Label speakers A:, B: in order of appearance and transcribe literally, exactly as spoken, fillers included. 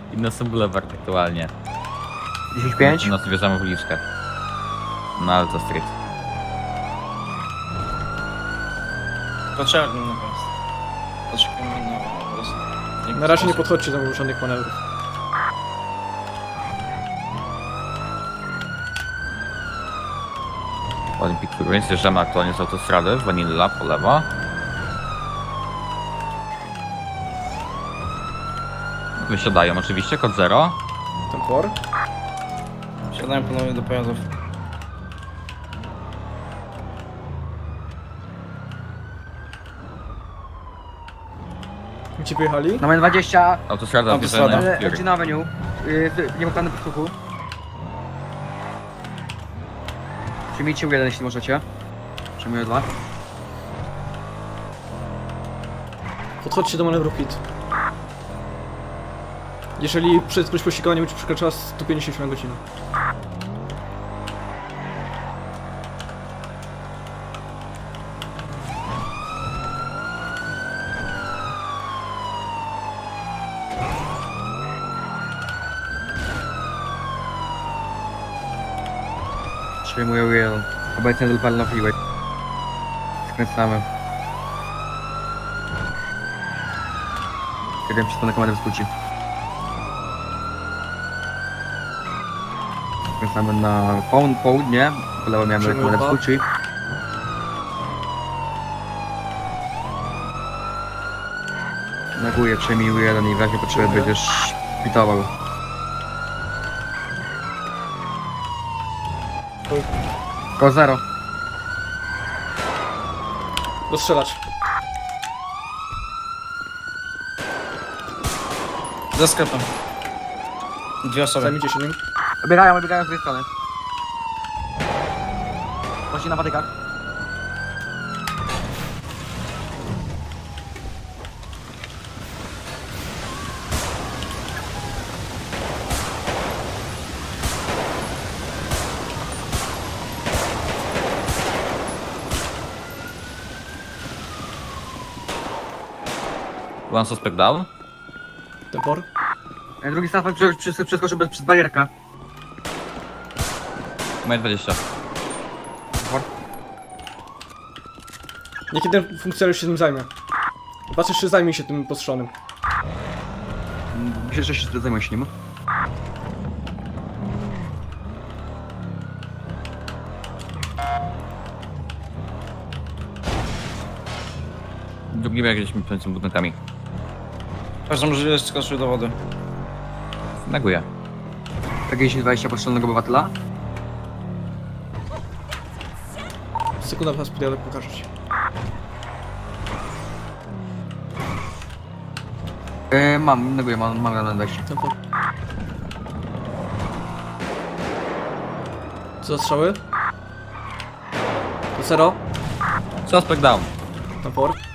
A: Inne Boulevard aktualnie.
B: dziesięć pięć.
A: No, zwierzamy w uliczkę. No ale to street.
C: Potrzebny na was. Poczekajmy na was.
D: Na razie nie podchodźcie do żadnych manewrów.
A: Olympic Ruins, zjeżdżamy aktualnie z autostrady, Vanilla po lewo. Wysiadają oczywiście, kod zero.
D: Tempor.
C: Siadają ponownie do pojazdów.
D: Gdzie pojechali?
B: Na M dwadzieścia,
A: Autostrada
C: Autostrada.
A: zjeżdżają na
B: ale
A: Fury.
B: Engine Avenue. Yy, nie pokazane posłuchu. Przyjmijcie U jeden, jeśli możecie. Przyjmuję dwa.
D: Podchodźcie do manewru hit. Jeżeli prędkość pościgowa nie będzie przekraczała sto pięćdziesiąt na godzinę.
B: Przyjmuję U jeden. Obecnie do Palna Freeway. Skręcamy. Kiedy przystanę kamerę w skróci. Skręcamy na połud południe. Po lewo miałem
D: Przyjmuję
B: kamerę w
D: dwa.
B: skróci. Neguję, przejmij U jeden i w razie potrzeby będziesz pitował. Ko zero.
D: Rozstrzelać.
C: Za sklepem. Dwie osoby.
D: Zajmijcie się nim.
B: Obiegają, obiegają z tej strony. Właśnie na patykach.
A: One suspect down.
D: Tempor.
B: E, Drugi statek przy, przy, przeskoczył bez, przez barierkę.
A: Moje dwadzieścia.
D: Niech jeden funkcjonariusz się tym zajmie. Was jeszcze zajmie się tym postrzelonym.
B: Myślę, że się zajmę się nim.
A: Drugi bieg gdzieś między budynkami.
C: Każdy możliwe skoczył do wody.
A: Neguję.
B: P G dziesięć dwadzieścia postrzelonego obywatela.
D: Sekunda, was podjadę, pokażę ci.
B: E, mam, neguję, mam, mam na dwadzieścia.
D: Tempor. Co za strzały? To zero.
A: Suspect down.
D: Tempor.